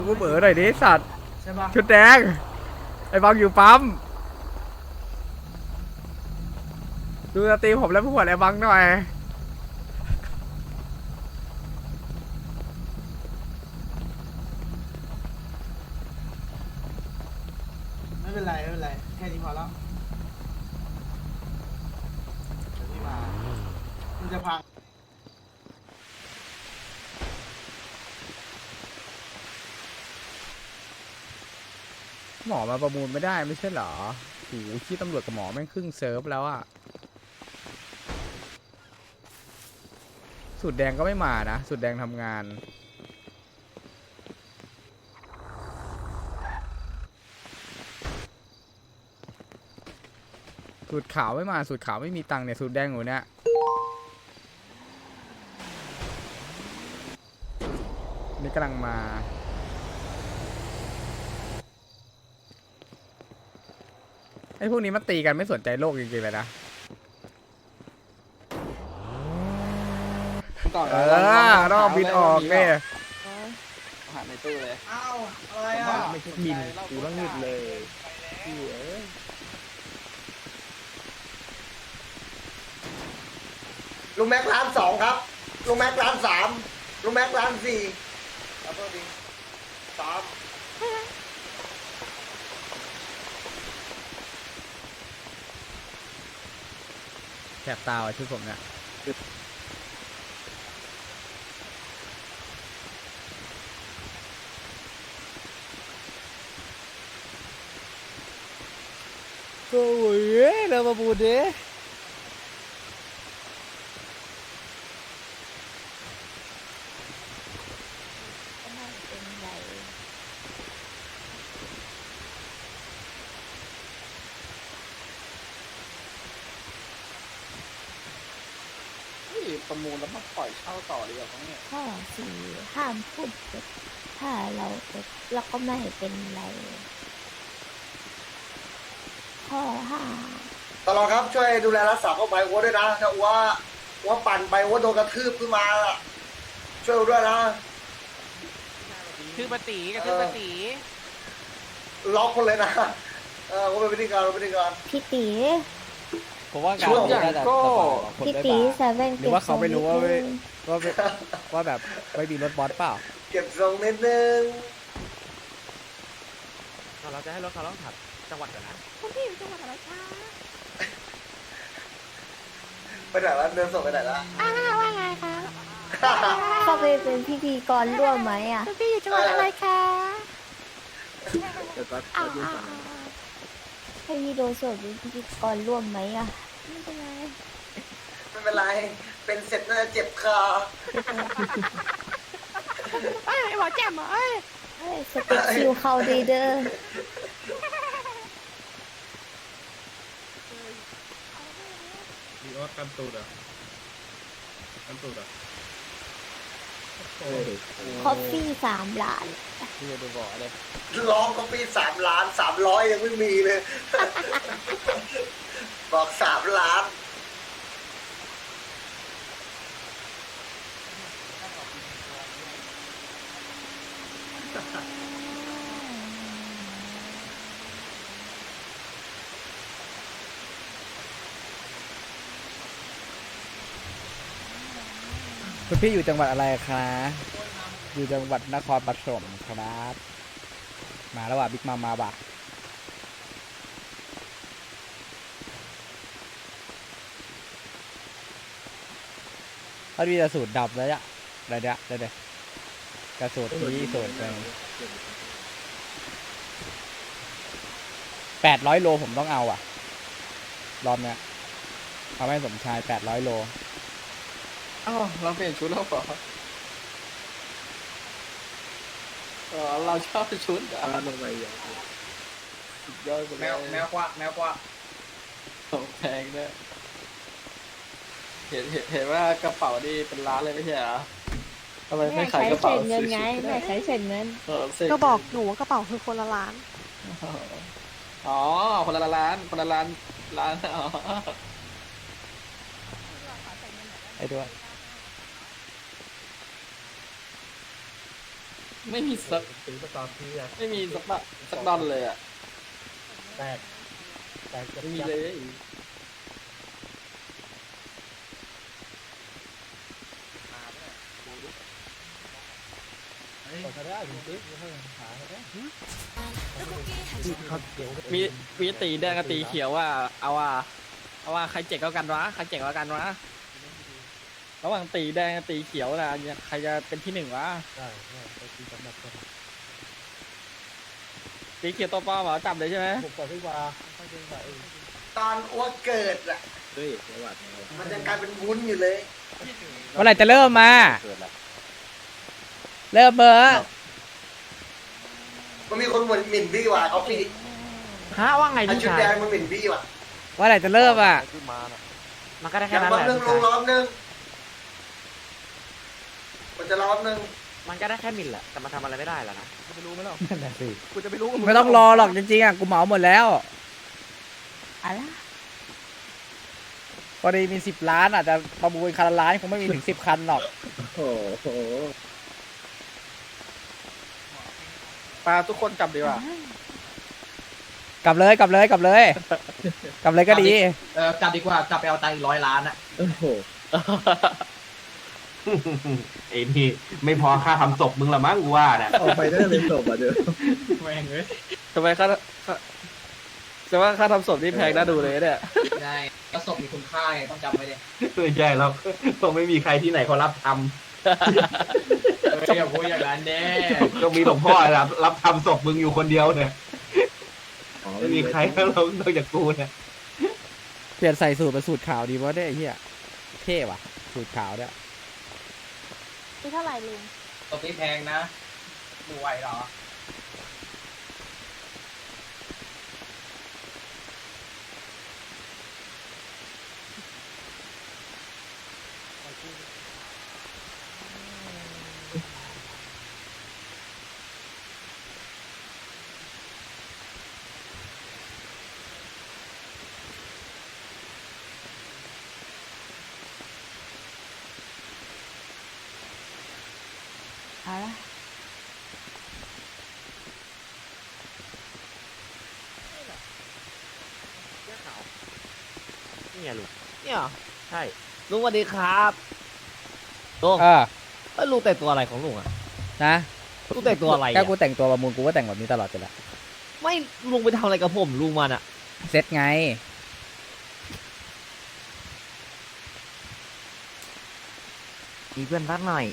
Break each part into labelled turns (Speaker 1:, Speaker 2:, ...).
Speaker 1: กูเบอหน่อยดิสัตว์
Speaker 2: ใช่ปะ
Speaker 1: ชุดแดงไอ้บังอยู่ปั๊มดูสตรีมผมแล้วผู้หวดไอ้บังหน่อย
Speaker 2: ไม่เป็นไรแค่นี้พอแล้วเดี๋ยวนี่มามันจะพัง
Speaker 1: หมอมาประมูลไม่ได้ไม่ใช่เหรอโหขี้ตำรวจกับหมอแม่งครึ่งเซิร์ฟแล้วอะสูตรแดงก็ไม่มานะสูตรแดงทำงานสูตรขาวไม่มาสูตรขาวไม่มีตังค์เนี่ยสูตรแดงอยู่เนี่ยนี่กำลังมาไอ้พวกนี้มันตีกันไม่สนใจโลกจริงๆเลยนะต้องบินออกเนี่ย
Speaker 3: หาในตู้เลย
Speaker 2: อ้าวอะไรอ่ะ
Speaker 3: ไม่ใช่บินกูต้องหยุดเลยพี่
Speaker 4: ลุงแม็กร้านสองครับลุงแม็กร้านสามลุงแม็กร้านสี่แล้วก็ดีสาม
Speaker 1: แสบตาว่ะชุดผมเนี่ยโอ้ยเรามาบูดดิ
Speaker 3: ประมูลแล้วมาปล่อยเช่าต่อดีกว่าเนี่ย
Speaker 5: ข้อสี่ห้ามพูดเท็จถ้าเราเท็จเราก็ไม่เป็นไรข้อห้า
Speaker 4: ตลอดครับช่วยดูแลรักษาเข้าไปวัวด้วยนะถ้าวัวปั่นไปวัวโดนกระทืบขึ้นมาล่ะช่วยด้วยนะ
Speaker 6: คือปฏิกับคือปฏิ
Speaker 4: ล็อกคนเลยนะก็เป็นพิธีการ
Speaker 5: พี่ตี
Speaker 3: ผมว่าการ
Speaker 4: ช่วง
Speaker 3: น่าจะสบายกว่าคน
Speaker 5: พี่
Speaker 3: ได้
Speaker 5: ตี
Speaker 3: บ้าง
Speaker 5: เซเว่น
Speaker 1: หรือว่าเขาไม่รู้ว่าว่าแบบไม่มีรถบอสเปล่า
Speaker 4: เก็บทรงนิดนึง
Speaker 6: เราจะให้รถเขาต้องถัดจังหวัดก่อนนะ
Speaker 5: คุณพี่อยู่จังหวัดอะไรคะ
Speaker 4: ไปไหนแล้วเดินส่งไปไหนแล้ว
Speaker 5: ว่าไงคะเข้าไปเป็นพิธีกรร่วมไหมอ่ะคุณพี่อยู่จังหวัดอะไรคะให้พี่โดนส่วนเป็นพิธีกรร่วมไหมอ่ะไม่เป็นไร
Speaker 4: ไม่เป็นไรเป็นเสร็จน่าจะเจ็บคอ
Speaker 5: ไอ้หมอแจ่มเหรอสเต็ปคิวเขาดีเด้อ
Speaker 7: ดีออสกันตูดอ่ะกันตูดอ่ะ
Speaker 5: คอฟฟี่3 ล้าน
Speaker 3: พี่จะดูบ่อเลย
Speaker 4: ร้องก็ปี3 ล้าน300ยังไม่มีเลย บอก3 ล้าน
Speaker 1: คุณพี่อยู่จังหวัดอะไรครับอยู่จังหวัดนครปฐมครับมาแล้วว่ะบิ๊กมาบ่ะเขาดีแต่สูตรดับแล้วอะอะไรเดี๋ยวกระสูตรนี้สูตรไป800 โลผมต้องเอาอ่ะรอบเนี้ยเอาให้สมชาย800 โล
Speaker 3: อ้าวเราเปลี่ยนชุดแล้วเหรอเราชอบชุดอ่ะทำไมอย่างสุดยอดไปเลย
Speaker 2: แมวกว่า
Speaker 3: แพงด้วยเห็นว่ากระเป๋านี่เป็นล้านเลยไม่ใช่เหรอทำไมไม่ขายกระเป๋า
Speaker 5: เงินไงแม่ใช้เศษเงิน
Speaker 3: ก็บอกหนูว่ากระเป๋าคือคนละล้านอ๋อคนละล้านล้านอ๋อ
Speaker 1: ไอ้ด้วย
Speaker 3: ไม่มีสัก
Speaker 7: ตีสตอร์ทีอะ
Speaker 3: ไม่มีสักดอนเลยอ่ะ
Speaker 7: แตกแตกจะ
Speaker 3: ไม่มีเลย
Speaker 7: ก็ได้ถึงติ๊กไม่หาได้
Speaker 3: มีตีแดงกับตีเขียวว่าเอาว่าใครเจ๋งกว่ากันวะใครเจ๋งกว่ากันวะระหว่างตีแดงกับตีเขียวนะใครจะเป็นที่หนึ่งวะ
Speaker 7: ได้ไปตีสำหรับคน
Speaker 3: ตีเขียวตัวป้อมเหรอจับเลยใช่ไหม
Speaker 7: ผมก่อนดีกว่าค่อยเดินไป
Speaker 4: ตอนอ้วกเกิดอ่ะ
Speaker 7: เฮ้ยจังหวัด
Speaker 4: มันยังกลายเป็นวุ้นอยู่เลย
Speaker 1: เมื่อไหร่จะเริ่มมา เริ่มเบอร์
Speaker 4: มันมีคนหมิ่นพี่ว่ะเอาพี่
Speaker 6: ฮะว่าไง
Speaker 4: เอา
Speaker 6: พี่
Speaker 4: ชุด
Speaker 6: ชาย
Speaker 4: แดงมันหมิ่นพี่ว่ะ
Speaker 1: เมื่อไหร่จะเริ่มอ่ะ
Speaker 6: มันก็ได้
Speaker 4: อ
Speaker 6: แค่
Speaker 4: ย่าง
Speaker 6: นั้น
Speaker 4: รอ
Speaker 6: แห
Speaker 4: บ
Speaker 6: ละ
Speaker 4: นึง
Speaker 6: พี่
Speaker 4: ล
Speaker 6: ชาง ย
Speaker 4: รอบนึงมันจะรอบนึง
Speaker 6: มันก็ได้แค่มิลแหละแต่มันทำอะไรไม่ได้แล้วนะ
Speaker 3: จะไปรู้ไหมล่ะ
Speaker 1: นั่นแหละสิ
Speaker 3: กูจะไปรู้
Speaker 1: ไม่ต้องรอหรอกจริงๆอ่ะกูเหมาหมดแล้วพอดีมี10 ล้านอ่ะจะประมูลคันละล้านคงไม่มีถึง10 คันหรอก
Speaker 7: โอ้โห
Speaker 3: ปลาทุกคนกลับดีกว่า
Speaker 1: กลับเลยกลับเลยกลับเลย กลับเลยก็ดี
Speaker 2: กลับดีกว่ากลับไปเอาตังค์อีก100 ล้านอ่ะ
Speaker 7: โอ้โห
Speaker 8: ไอ้นี่ไม่พอค่าทำศพมึงละมั้งกูว่าน่ะ
Speaker 7: ออกไปได้เลยจบอ่ะเดี๋ยว
Speaker 2: แม่งเลย
Speaker 3: ทำไมจะว่าค่าทำศพนี่แพงน่าดูเลยเนี่ย
Speaker 2: ใช่ก็ศพมีคุณค่าไงต้องจำไว้เลย
Speaker 8: ไม่ใช่แล้วคงไม่มีใครที่ไหนเขารับท
Speaker 2: อย่าพูดอย่างนั้นเด้
Speaker 8: ำก็มีหลวงพ่อรับทำศพมึงอยู่คนเดียวเนี่ยไม่มีใครแล้วนอกจากกูเนี่ย
Speaker 1: เปลี่ยนใส่สูตรเป็นสูตรขาวดีวะเนี่ยไอ้เหี้ยเท่ว่ะสูตรขาวเนี่ย
Speaker 5: นี่เท่าไหร่ลุง
Speaker 2: ศพนี้แพงนะดูไหวเหรอ
Speaker 6: นี่ไงลุงเนี่ยเหรอใช่ลุงสวัสดีครับลุง
Speaker 1: เออ
Speaker 6: เอ้ยลุงแต่งตัวอะไรของลุงอะ
Speaker 1: นะ
Speaker 6: ลุงแต่งตัวอะไร
Speaker 1: ก็
Speaker 6: อะ
Speaker 1: กูแต่งตัวประมูลกูก็แต่งแบบนี้ตลอดไปแหละ
Speaker 6: ไม่ลุงไปทำอะไรกับผมลุงมันอะ
Speaker 1: เซ็ตไง
Speaker 6: มีเพื่อนรักหน่อย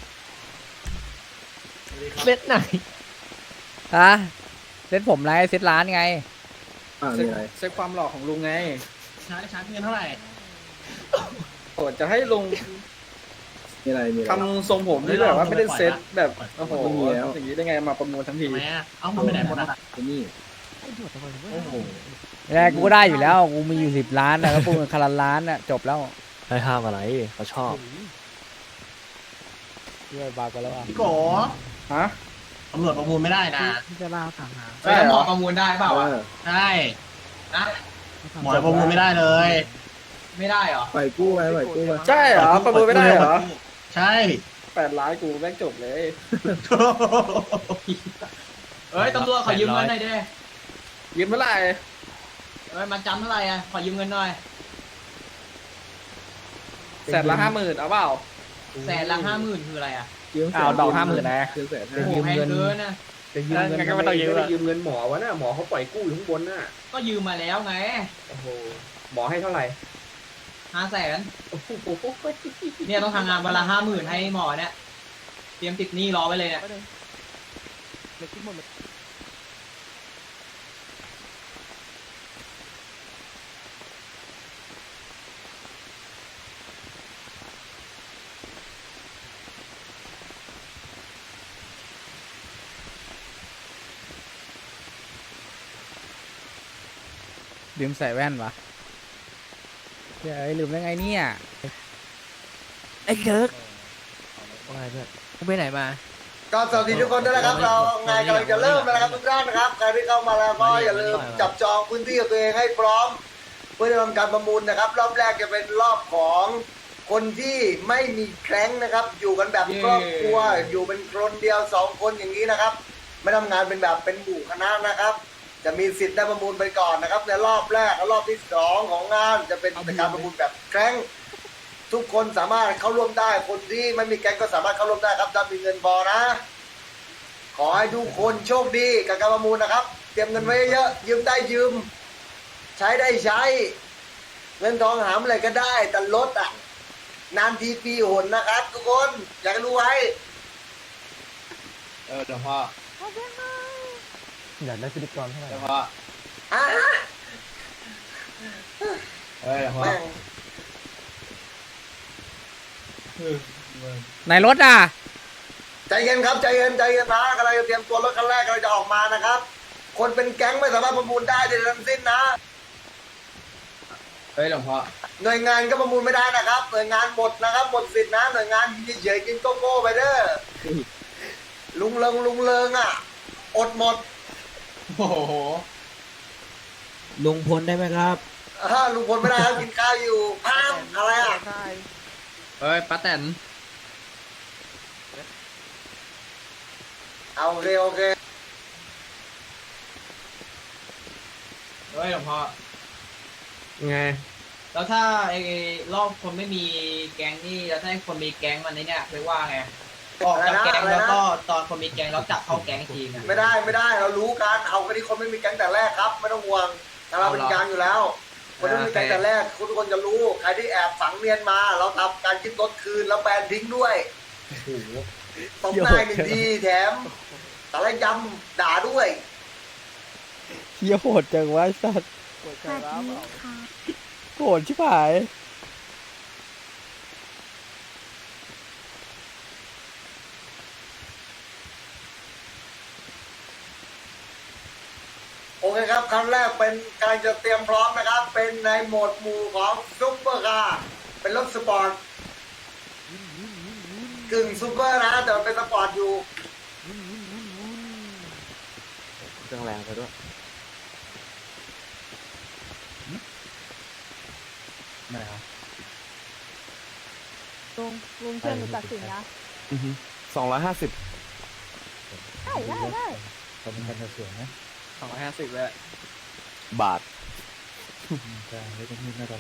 Speaker 6: เล็ดไหน
Speaker 1: ฮะเซ็ตผมไรเซ็ตร้านไง
Speaker 3: เซ็ตความหล่อของลุงไง
Speaker 2: ชาร์จเงินเท่าไหร่
Speaker 3: โอ้จะให้ลุง
Speaker 7: มีอะไรมีอะไร
Speaker 3: ทำทรงผมที่แบบว่าไม่ได้เซ็ตแบบโอ้โห
Speaker 7: ไม่มีแล้ว
Speaker 3: อย่างนี้ได้ไงมาประมูลทั้งที
Speaker 2: ทำไมอ่ะเอามันไปไหนหมดอ่ะ
Speaker 7: ไอ้นี่
Speaker 2: โอ้โห
Speaker 1: แรกกูก็ได้อยู่แล้ว กูมีอยู่10 ล้านนะก็ปูนคันละล้านน่ะจบแล้ว
Speaker 6: ให้ห้ามอะไรเขาชอบ
Speaker 1: เรื่อยบากันแล้วอ่ะ
Speaker 2: พี่โก
Speaker 3: ฮะ
Speaker 2: ตำรวจประมูลไม่ได้นะ
Speaker 6: จะล่าถามหา
Speaker 2: ใช่หมอประมูลได้เปล่าวะใช่นะหมอประมูลไม่ได้เลย ไม่ได้เหรอ
Speaker 7: ปล่อยกู้ไปปล่อยกู้ไป
Speaker 3: ใช่เหรอประมูลไม่ได้เหรอ
Speaker 2: ใช่
Speaker 3: 8 ล้านกูแม่งจบเลย
Speaker 2: เอ้ยตำรวจขอยืมเงินหน่อยดิ
Speaker 3: ยืมเมื่อไหร่
Speaker 2: เอ้ยมาจำเท่าไหร่อ่ะขอยืมเงินหน่อย
Speaker 3: 150,000เอาเปล่า
Speaker 2: 150,000คืออะไรอ่ะ
Speaker 3: เอาดอก50,000นะ
Speaker 7: เกินแสน
Speaker 2: โอ้โหแพงเกินนะ
Speaker 7: จะยืมเงิน
Speaker 3: งั้นก็ไม่ต้องยืม
Speaker 8: ไม่
Speaker 3: ละ
Speaker 8: ได้ยืมเงินหมอวะน่ะหมอเขาปล่อยกู้อยู่ข้างบนน่ะ
Speaker 2: ก็ยืมมาแล้วไง
Speaker 8: โอ้โหหมอให้เท่าไหร่
Speaker 2: 500,000
Speaker 8: โอ้โห
Speaker 2: เนี่ยต้องทำงานวันละ50,000ให้หมอเนี่ยเตรียมติดหนี้รอไว้เลยเนี่ย
Speaker 1: ลืมใส่แว่นวะเฮ้ยลืมได้ไงเนี่ย
Speaker 6: ไอ้เกิร์กอะไรเพื่อนมึงไปไหนมา
Speaker 4: ก็สวัสดีทุกคนด้วยนะครับ เรางานกำลังจะเริ่มแล้วนะครับทุกท่านนะครับใครที่เข้ามาแล้วก็อย่าลืมจับจองพื้นที่ของตัวเองให้พร้อม เพื่อจะทำการประมูลนะครับ รอบแรกจะเป็นรอบของคนที่ไม่มีแคร้งนะครับ อยู่กันแบบครอบครัว อยู่เป็นคนเดียว2 คนอย่างนี้นะครับ ไม่ทำงานเป็นแบบเป็นหมู่คณะนะครับ จะมีสิทธิ์ได้ประมูลไปก่อนนะครับในรอบแรกและรอบที่2ของงานจะเป็นการประมูลแบบแคร้งทุกคนสามารถเข้าร่วมได้ คนที่ไม่มีแก๊งก็สามารถเข้าร่วมได้ครับถ้ามีเงินพอนะ ขอให้ทุกคนโชคดีกับการประมูลนะครับ เตรียมเงินไว้เยอะยืมได้ยืม ใช้ได้ใช้ เงินทองหามอะไรก็ได้แต่ลดอ่ะนานทีปีหนนะครับ ทุกคนอยากให้รู้ไว้
Speaker 2: เดี๋ยวพ่อ
Speaker 6: อยากได้พิธีกรเท่าไหร่
Speaker 2: เดี๋ยวพ่อ
Speaker 4: อ่ะ
Speaker 2: เดี๋ยวพ่อ
Speaker 4: แม่ง
Speaker 1: ในรถอ่ะ
Speaker 4: ใจเย็นครับใจเย็นใจเย็นนะกำลังจะเตรียมตัวรถคันแรกกำลังจะออกมานะครับ คนเป็นแก๊งไม่สามารถประมูลได้ใดๆทั้งสิ้นนะ
Speaker 2: หลวงพ่อ
Speaker 4: หน่วยงานก็ประมูลไม่ได้นะครับ หน่วยงานหมดนะครับหมดสิทธินะหน่วยงานเฉยๆกินโกโก้ไปเด้อลุงเริงอ่ะอดหมด
Speaker 2: โอ้โห
Speaker 6: ลุงพลได้ไหมครับ
Speaker 4: ลุงพลไม่ได้ครับกินข้าวอยู่พามอะไรอ่ะ
Speaker 2: ป้าแตน
Speaker 4: เอาโอเคโอเค
Speaker 2: หลวงพ่อ
Speaker 6: ไง
Speaker 2: แล้วถ้าไอ้รอบคนไม่มีแก๊งนี่แล้วถ้าให้คนมีแก๊งมันเนี่ยเรียกว่าไงออกจากแก๊งแล้วก็ตอนคนมีแก๊งแล้วจับเข้าแก๊งอีกทีนะ
Speaker 4: ไม่ได้เรารู้กันเอากันที่คนไม่มีแก๊งแต่แรกครับไม่ต้องห่วงแต่เราเป็นกลางอยู่แล้ว คนที่มีแก๊งแต่แรกทุกคนจะรู้ใครที่แอบฝังเนียนมาเราทำการยึดรถคืนแล้วแบนทิ้งด้วยตบหน้าหนึ่งทีแถมแต่ละยำด่าด้วย
Speaker 1: เฮียโหดจังวะไอ้สัตว์
Speaker 5: สวัสดีค่ะ
Speaker 1: โหดชิบหาย
Speaker 4: โอเคครับครั้งแรกเป็นการจะเตรียมพร้อมนะครับ เป็นในโหมดหมู่ของซุปเปอร์คาร์เป็นรถสปอร์ตกึ่งซุปเปอร์นะแต่มันเป็นสปอร์ตอยู่
Speaker 6: เครื่องแรงไปด้วย
Speaker 5: ลุงเชื่อหนูตัดสินนะ
Speaker 6: 250
Speaker 5: ได้
Speaker 3: 250เลย
Speaker 6: บาท
Speaker 5: ลุงอย่าให้ห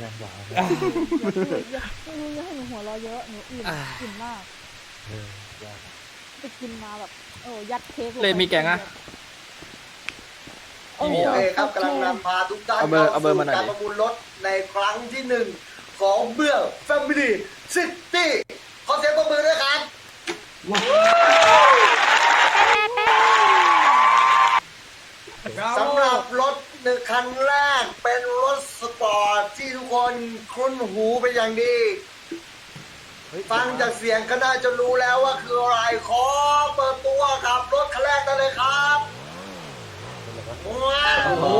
Speaker 5: นูหัวเราะเยอะหนูอิ่มมากไปกินมาแบบยัดเค้ก
Speaker 3: เลยมีแกงอะ
Speaker 4: โอเคครับกำลังนำพาทุกท่าน
Speaker 3: เอาเบอร์มาหน่อยดิ
Speaker 4: การประมูลรถในครั้งที่ 1 ของเบื่อ Family City ขอเสียงปรบมือด้วยครับสำหรับรถในคันแรกเป็นรถสปอร์ตที่ทุกคนคุ้นหูเป็นอย่างดี ฟังจากเสียงก็น่าจะรู้แล้วว่าคืออะไรขอเปิดตัวกับรถคันแรกได้เลยครับว้าว
Speaker 3: โอ้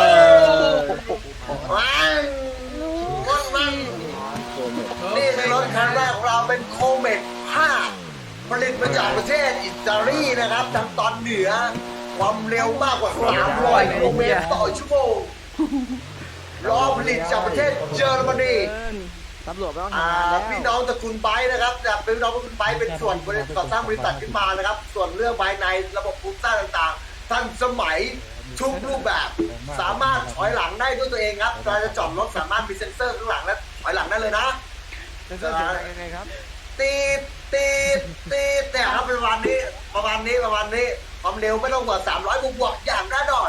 Speaker 4: ว้าวว้าวนี่เป็นรถคันแรกของเราเป็นโคเมต5ผลิตมาจากประเทศอิตาลีนะครับทางตอนเหนือความเร็วมากกว่า300 กิโลเมตรต่อชั่วโมงล้อผลิตจากประเทศเยอรมนี
Speaker 6: ตำรวจไม่ต้องทำงานแล้ว
Speaker 4: พี่น้องตระกูลไบค์นะครับจากเป็นพี่น้องตระกูลไบค์เป็นส่วนก่อสร้างบริษัทขึ้นมานะครับ ส่วนเรื่องภายในระบบโครงสร้างต่างๆทันสมัยทุกรูปแบบ สามารถถอยหลังได้ด้วยตัวเองครับเราจะจอดรถสามารถมีเซ็นเซอร์ข้างหลังและถอยหลังได้เลยนะเซ็นเซอร์ยังไงครับตีดแต่ครับประมาณนี้ความเร็วไม่ต้องกว่า300บวกๆอย่างแน่นอน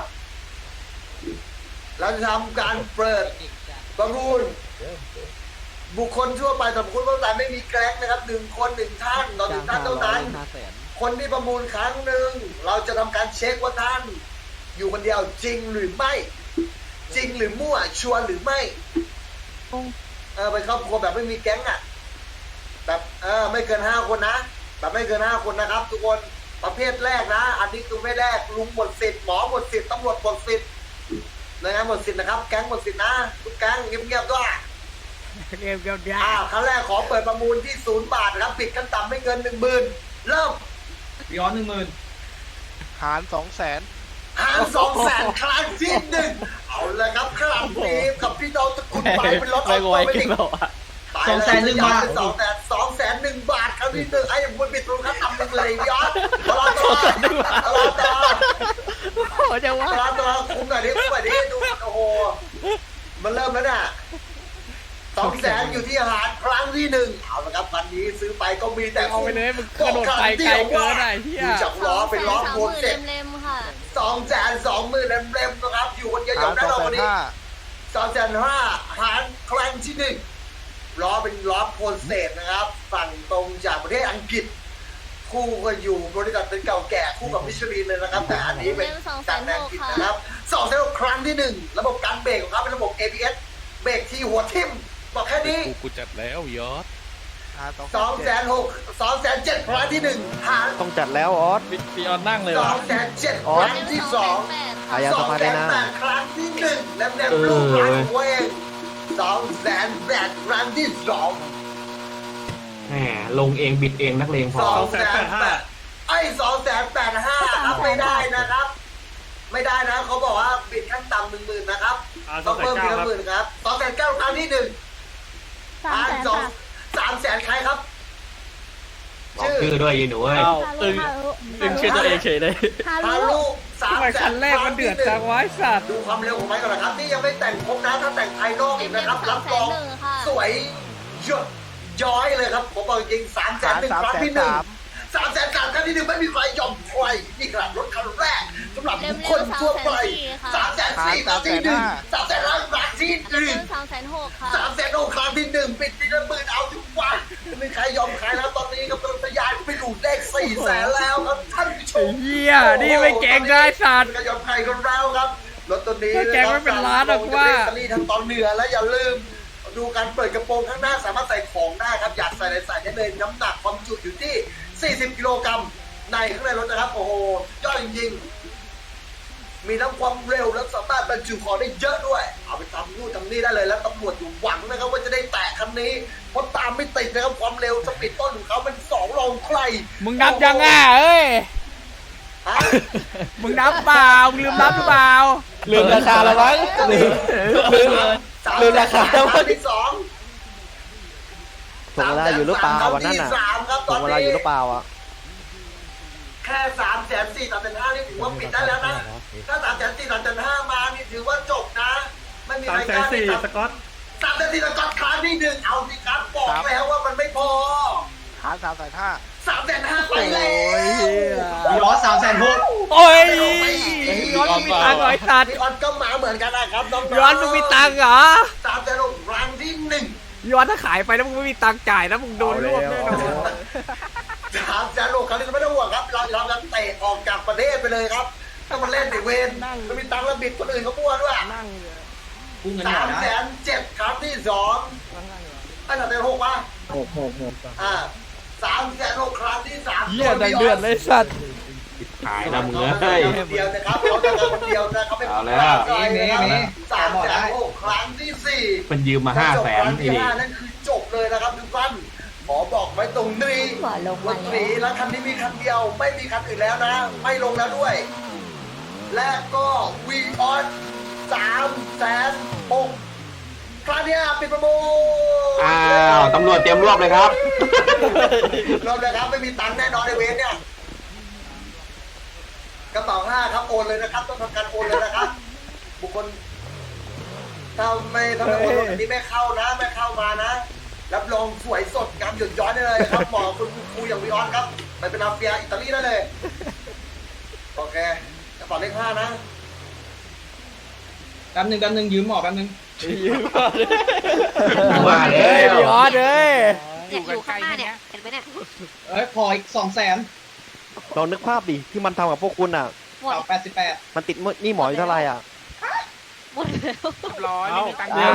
Speaker 4: เราจะทำการเปิดประมูลบุคคลทั่วไปสำหรับคุณผู้ชมไม่มีแกล้งนะครับ1 คน 1 ท่านต่อ1 ท่านเท่านั้น คนที่ประมูลครั้งหนึ่งเราจะทำการเช็คว่าท่าน อยู่คนเดียวจริงหรือไม่ จริงหรือมั่วชัวร์หรือไม่เป็นครอบครัวแบบไม่มีแก๊งอ่ะแบบไม่เกิน5 คนนะแบบไม่เกิน5 คนนะครับ ทุกคนประเภทแรกนะอันนี้คือประเภทแรกลุงหมดสิทธิ์หมอหมดสิทธิ์ตำรวจหมดสิทธิ์หน่วยงานหมดสิทธิ์นะครับแก๊งหมดสิทธิ์นะทุกแก๊งเงียบๆด้วยครั้งแรกขอเปิดประมูลที่0 บาทนะครับปิดขั้นต่ำไม่เกิน 10,000 เริ่ม
Speaker 2: ย้อน
Speaker 7: หาร 200,000
Speaker 4: หาร200,000ครั้งที่ 1เอาเลยครับครั้งนี้กับพี่น้องตระกูลไปเป็นรถออ
Speaker 3: ไม่
Speaker 4: โต
Speaker 3: ไหว
Speaker 4: เม
Speaker 3: กิ
Speaker 4: ติ
Speaker 3: น
Speaker 4: ก
Speaker 3: เปล่าอะ
Speaker 4: ไป
Speaker 2: 200,000 บาท
Speaker 4: 200,001 บาทครั้งที่หนึ่งไอ้บุญปิดรูครับทำหนึ่งเลยยอดตลอดต่อตลอดต่อ
Speaker 6: โอ้จะว่า
Speaker 4: ตลอดต่อคุ้มหน่อยดิคุ้มหน่อยดิดูโอ้โหมันเริ่มแล้วน่ะ200,000อยู่ที่อาหารครั้งที่หนึ่งเอาละครับวันนี้ซื้อไปก็มีแต่
Speaker 1: เอาไปเลยมึงกระโดดไปไกลเกินไอ้เหี้ย
Speaker 4: ดูจากล้อเป็นล้อโคตรเจ็บ
Speaker 5: เล็มๆค่ะ
Speaker 4: 220,000เล่มๆนะครับอยู่คนเดียวๆนะเราวันนี้205,000หารครั้งที่หนึ่งล้อเป็นล้อโพลเศษนะครับฝั่งตรงจากประเทศอังกฤษ คู่กันอยู่บริษัทเป็นเก่าแก่คู่กับมิชลินเลยนะครับ แต่อันนี้เป็นจากแดนอังกฤษนะครับ206ครั้งที่หนึ่งระบบการเบรกของเขาเป็นระบบ ABS เบรกที่หัวทิ่มบอกแค่นี้
Speaker 7: กูจัดแล้วยอด
Speaker 4: 207ครั้งที่หนึ่งหาร
Speaker 6: ต้องจัดแล้วออส
Speaker 3: พี่ออนนั่งเลยว่ะ
Speaker 4: 207ครั้งที่สอง
Speaker 6: อายาสภาได้นะ
Speaker 4: 208ครั้งที่หนึ่งแล้วแนบลูกหลานตัวเอง208ครั้งที่สอง
Speaker 8: แหมลงเองบิดเองนักเลงพอ
Speaker 4: 285ไอ้285ครับไม่ได้นะครับ ไม่ได้นะเขาบอกว่าบิดขั้นต่ำ10,000นะครับต้องเพิ่มทีละหมื่นครับ209ครั้งที่หนึ่ง 300,000ใครครับ
Speaker 8: บอกชื่อด้วยยีหนูเอ้ย
Speaker 3: เอ้าตึงชื่อตัวเองเฉยเลย
Speaker 5: ฮา
Speaker 4: ฮา
Speaker 5: รุ
Speaker 4: รุ
Speaker 1: ทำไมคันแรกมันเดือดจังวะไอ้สัตว์
Speaker 4: ดูความเร็วของมันก่อนนะครับนี่ยังไม่แต่งครบนะถ้าแต่งภายนอกอีกนะครับรับรอง
Speaker 5: ค่ะ
Speaker 4: สวยหยดย้อยเลยครับผมบอกจริง300,001ครั้งที่หนึ่ง300,000ครั้งที่หนึ่งไม่มีใครยอมใครนี่ขนาดรถคันแรกสำหรับบุคคลทั่วไป304ครั้งที่หนึ่ง300,000ครั้งที่หนึ่ง
Speaker 5: 306,000ค่ะ
Speaker 4: 306ครั้งที่หนึ่งปิดทีละหมื่นเอาทุกวันไม่มีใครยอมใครแล้วตอนนี้กำลังทะยานไปดูเลข400,000แล้วครับท่านผู้ช
Speaker 1: ไอ้
Speaker 4: ม
Speaker 1: เหี้ยนี่ไม่เก่งได้สัตว์
Speaker 4: ก็ยอมใครกันแล้วครับรถตัวนี้
Speaker 1: แกงไม่เป็นล้านหรอกว่า
Speaker 4: จะมีทั้งตอนเหนือและอย่าลืม ดูการเปิดกระโปรงข้างหน้าสามารถใส่ของได้ครับอยากใส่อะไรใส่ได้เลยน้ำหนักความจุอยู่ที่ 40 กิโลกรัมในข้างในรถนะครับโอ้โหยอดจริงๆมีทั้งความเร็วและสามารถบรรจุของได้เยอะด้วยเอาไปทำนู่นทำนี่ได้เลยแล้วตำรวจอยู่หวังนะครับว่าจะได้แตะคันนี้เพราะตามไม่ติดนะครับความเร็วสปีดต้นของเขาเป็น2 รองใคร
Speaker 1: มึงนับยังอ่ะเอ้ย
Speaker 4: ฮะ
Speaker 1: มึงนับเปล่ามึงลืมนับหรือเปล่า
Speaker 6: ลืมราคาแล้วมั้งลืมราคาแล้วมั้ง
Speaker 4: ที่สอง
Speaker 6: ถ่วงเวลาอยู่หรือเปล่าวันนั้นน่ะ
Speaker 4: สามครับต
Speaker 6: ถ่
Speaker 4: อ
Speaker 6: วน งเวลา
Speaker 4: นี้
Speaker 6: อยู่หรือเปล่าอ่ะ
Speaker 4: แค่304,000 305,000นี่ถือว่าปิดได้แล้วนะถ้า304,000 305,000มานี่ถือว่าจบนะไม่มีใครกล้าที่304,000 สก๊อตครั้งที่หนึ่งเอาสิครับบอกแล้วว่ามันไม่พอ
Speaker 6: หาร
Speaker 4: 305,000ไปเลย
Speaker 2: มีล้อ306,000
Speaker 1: โอ้ยย้อนมึงมีตังค์เหรอไอ้สัตว์
Speaker 4: พี่ออนก็มาเหมือนกันนะครับน้องๆ
Speaker 1: ย้อนมึงมีตังค์เหรอ
Speaker 4: 306ครั้งที่หนึ่ง
Speaker 1: ย้อนถ้าขายไปแล้วมึงไม่มีตังค์จ่ายนะมึงโดนรวบแน่นอน
Speaker 4: 306ครั้งนี้ไม่ต้องห่วงครับเราจะเตะออกจากประเทศไปเลยครับถ้ามันเล่นในเวรมันมีตังค์แล้วบิดคนอื่นเขาบ้วนด้วย
Speaker 2: กู้เงินหน่อยนะ
Speaker 4: 307ครั้งที่สองไอ้306ป่ะ306ครั้งที่สาม
Speaker 1: เหี้ยดังเดือดเลยสัตว์
Speaker 8: ขายนะมึงเอ้ย
Speaker 4: คนเดียวนะครับเขาจะคนเดียวนะครับไม่
Speaker 8: เอาแล้ว
Speaker 4: 306ครั้งที่สี่
Speaker 8: มันยืมมา500,000
Speaker 4: ค
Speaker 8: ไอ้
Speaker 4: รั้งที่
Speaker 8: นี่
Speaker 4: 5นั่นคือจบเลยนะครับทุกท่านขอบอกไว้ตรงนี้
Speaker 5: หัวลง
Speaker 4: ร
Speaker 5: มา
Speaker 4: ถ
Speaker 5: แล้
Speaker 4: สี
Speaker 5: ว
Speaker 4: แล้วคันนี้มีคันเดียวไม่มีคันอื่นแล้วนะ ไม่ลงแล้วด้วย และก็วีออน306,000ครั้งที่5ปิดประมูล
Speaker 8: อ้าวตำรวจเตรียมรวบเลยครับ
Speaker 4: รอบเลยครับไม่มีตังค์แน่นอนในเวรเนี่ยกระเป๋า5ครับโอนเลยนะครับต้องทำการโอนเลยนะครับ บุคคลถ้าไม่โอนอันนี้ไม่เข้านะไม่เข้ามานะรับรองสวยสดงามหยดย้อยได้เลยครับหมอคุณครูอย่างวีออนครับไปเป็นมาเฟียอิตาลีได้เลยโอเคกระเป๋าเลข5นะ
Speaker 2: แป๊บนึงยืมหมอแป๊บนึง
Speaker 8: ว่าแล้
Speaker 1: เฮ้ยว พี่ออสเอ้ย
Speaker 5: เนี่ยอยู่ข้างหน้าเนี่ยเห็นไหมเนี่ย
Speaker 2: ขออีก200,000
Speaker 6: ลองนึกภาพดิที่มันทำกับพวกคุณอ่ะ
Speaker 5: หมด
Speaker 2: 88
Speaker 6: มันติดหนี่หมออยู่เท่าไหร่อ่ะ
Speaker 5: หมดแล้ว
Speaker 3: ร้อยไม่มีตังค์
Speaker 1: อ้าว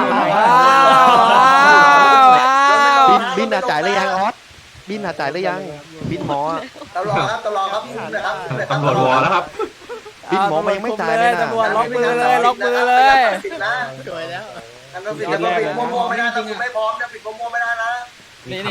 Speaker 6: บินจ่ายหรือยังออสบินจ่ายหรือยังบินหมออะ
Speaker 4: ตลอดครับตลอดครับนะครับ
Speaker 8: ตำรวจวอแล้วครับ
Speaker 6: บินหมอมันยังไม่จ่ายเลยนะ
Speaker 1: ตำรวจล็อกมือเลยล็อกมือเลย
Speaker 4: สวยแล้วอันนั้นปิดแล้วก็ปิดมั่วๆไม่ได้ถ้าคุณไม่พร้อมเนี่ยปิดมั่วๆไม่ได้นะ
Speaker 3: หนี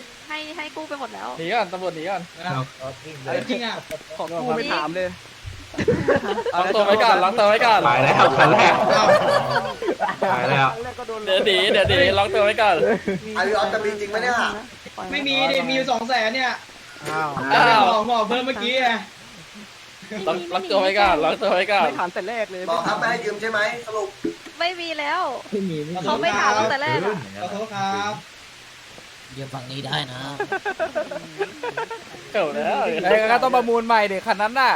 Speaker 5: ให้กู้ไปหมดแล้ว
Speaker 3: หนีก่อนตำรวจหนีก่อน
Speaker 2: จริงอ่ะ
Speaker 3: ของกูไม่ถามเลย
Speaker 5: เ
Speaker 3: ล็อกตัวไว้ก่อนล็อกตัวไว้ก่อน
Speaker 8: ไปแล้วคันแรกไปแล้ว
Speaker 3: เดี๋ยวดีล็อกตัวไว้ก่อน
Speaker 4: อาริออนจะมีจริงไหมเนี่ย
Speaker 2: ไม่มีดิมีอยู่200,000เนี่ย
Speaker 3: อ้าว
Speaker 2: บอกเพิ่มเมื่อกี้ไง
Speaker 3: ล็อกตัวไว้ก่อนล็อกตัวไว้ก่อน
Speaker 6: ไม่ถามแต่แรกเลย
Speaker 4: บอกครับไม่ให้ยืมใช่ไหมสรุป
Speaker 5: ไม่มีแล้ว
Speaker 2: ขอ
Speaker 5: เขาไม่ถามตั้งแต่แรกอะ
Speaker 2: ขอโทษครับ
Speaker 3: เก่าแล้ว
Speaker 1: ไอ้ก็ต้องประมูลใหม่ดิคันนั้นน่ะ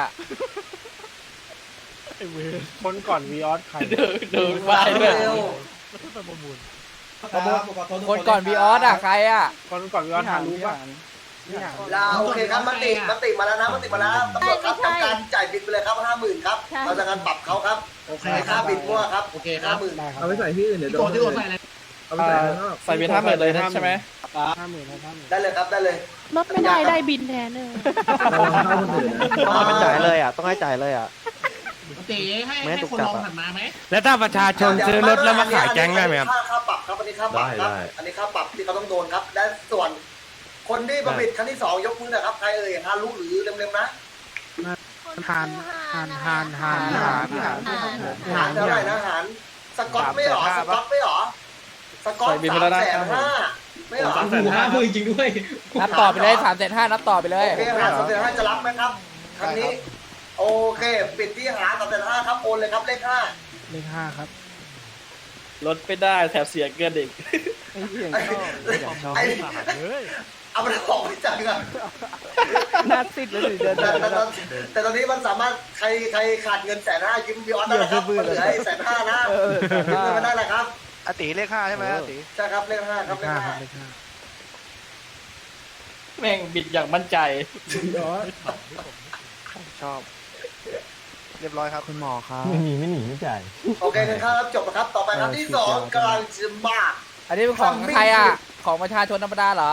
Speaker 6: คนก่อนวีออสใคร
Speaker 3: ดูไปด้วย
Speaker 4: เร็ว
Speaker 1: คนก่อนวีออสอ่ะใครอ่ะ
Speaker 6: คนก่อนวีออสหารู้ป่ะ
Speaker 4: ลาโอเคครับมติมาแล้วนะมติมาแล้วตำรวจครับทำการจ่ายบินไปเลยครับ50,000ครับเราจะการปรับเขาครับค่าบินมั่วครับ
Speaker 2: โอเคครับ
Speaker 4: 50,000
Speaker 7: เอาไปใส่ที่อื่นเดี๋ยวโดนเอาไปใส่ข้างนอก
Speaker 3: ใส่เบียร์5,000เลยนะใช่ไหม
Speaker 4: ได้เลยครับได้เลย
Speaker 5: ลดไม่ได้ได้บินแทนเลย
Speaker 7: เอาเข้าคนอื่นนะ
Speaker 6: ต้องให้จ่ายเลยอ่ะต้องให้จ่ายเลยอ่ะ
Speaker 2: ตีให้
Speaker 6: ไม่ถูกจับอ่ะ
Speaker 9: แล้วถ้าประชาชนซื้อรถแล้วมาขายแก๊งได้ไหมครับ
Speaker 4: ค่าปรับครับอันนี้ค่าปรับครับอันนี้ค่าปรับที่เขาต้องโดนครับและส่วนคนที่ประมิดครั้งที่2ยกมือหนะครับใครเอ่ยฮารุหรือเร็วๆนะ
Speaker 5: หาร
Speaker 4: เท่าไหร่นะหารสกอตไม่หรอสกอตไม่หรอสกอต350,000ไม่หรอ
Speaker 2: 50,000จริงด้วย
Speaker 1: นับต่อไปเลย3,500นับต่อไปเลย
Speaker 4: โอเคหาร350,000จะรับไหมครับครั้งนี้โอเคปิดที่หาร350,000ครับโอนเลยครับเลข5
Speaker 3: ลดไม่ได้แถบเสียเกินอีก
Speaker 4: ไอ้เอามันออกไปจากกัน
Speaker 6: หน้าซิดเลยเดิน
Speaker 4: แต่ตอนนี้มันสามารถใครขาดเงิน150,000ยืมบิออนได้นะครับมันเหลือให้150,000นะยืมเงินมาได้แหละครับ
Speaker 6: อติเลข5ใช่ไหมอติ
Speaker 4: ใช่ครับเลข5ครับเลข
Speaker 3: แม่งบิดอย่างมั่นใจ
Speaker 6: ชอบ เรียบร้อยครับคุณหมอครับ
Speaker 4: 5โอเคครับจบแล้วครับต่อไปครั้งที่2กำลังจะมา
Speaker 1: อันนี้เป็นของใครอ่ะของประชาชนธรรมดาเหรอ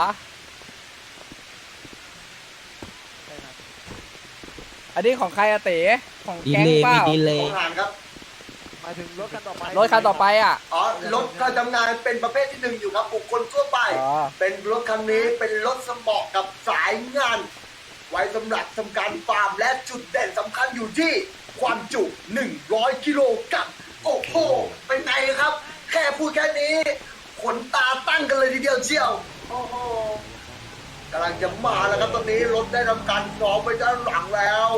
Speaker 1: อันนี้ของใครอะเต๋ของแก๊งเปล่า
Speaker 4: ของหารครับ
Speaker 6: หมายถึงรถคันต่อไป
Speaker 1: รถคันต่อไปอ่ะ
Speaker 4: อ๋อรถการทำงานเป็นประเภทที่1อยู่ครับบุคคลทั่วไป
Speaker 1: อ๋อ
Speaker 4: เป็นรถคันนี้เป็นรถสมอกกับสายงาน ไว้สำหรับทำการฟาร์มและจุดเด่นสำคัญอยู่ที่ความจุ 100 กิโลกรัมโอ้โหเป็นไงครับ แค่พูดแค่นี้ขนตาตั้งกันเลยทีเดียวเชียวโอ้โหกำลังจะมาแล้วครับตอนนี้รถได้ทำการซ้อมไปด้านหลังแล้ว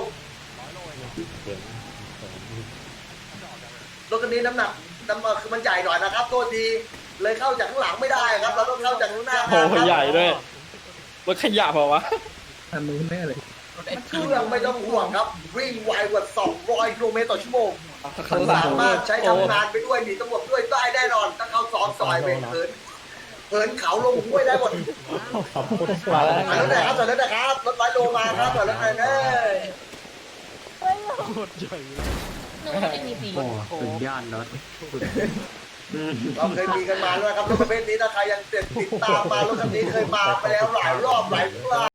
Speaker 4: รถคันนี้น้ำหนักคือมันใหญ่หน่อยนะครับโทษทีเลยเข้าจากข้างหลังไม่ได้ครับเราต้องเข้าจากข้างหน้า
Speaker 3: โอ้โหใหญ่ด้วยรถขยะเปล่าวะ
Speaker 7: ทำนู้นแน่เลย
Speaker 4: เครื่องไม่ต้องห่วงครับ วิ่งไวกว่า 200 กิโลเมตรต่อชั่วโมง
Speaker 3: ข้างหลัง
Speaker 4: สามารถใช้ทำงานไปด้วยหนีตำรวจด้วยได้แน่นอน ถ้าเขาซ้อมซอยไปเหินเขาลงห้วยได้หมด
Speaker 3: มาแล้ว
Speaker 4: ถอยรถหน่อยครับถอยรถหน่อยครับรถ100 โลมาครับถอยรถหน่อยเด้อ
Speaker 5: หนูไม่มีสี
Speaker 8: สุดยอดรถ
Speaker 4: เราเคยมีกันมาแล้วนะครับรถประเภทนี้ถ้าใครยังติดตามมารถคันนี้เคยมาไปแล้วหลายรอบหลายครั้ง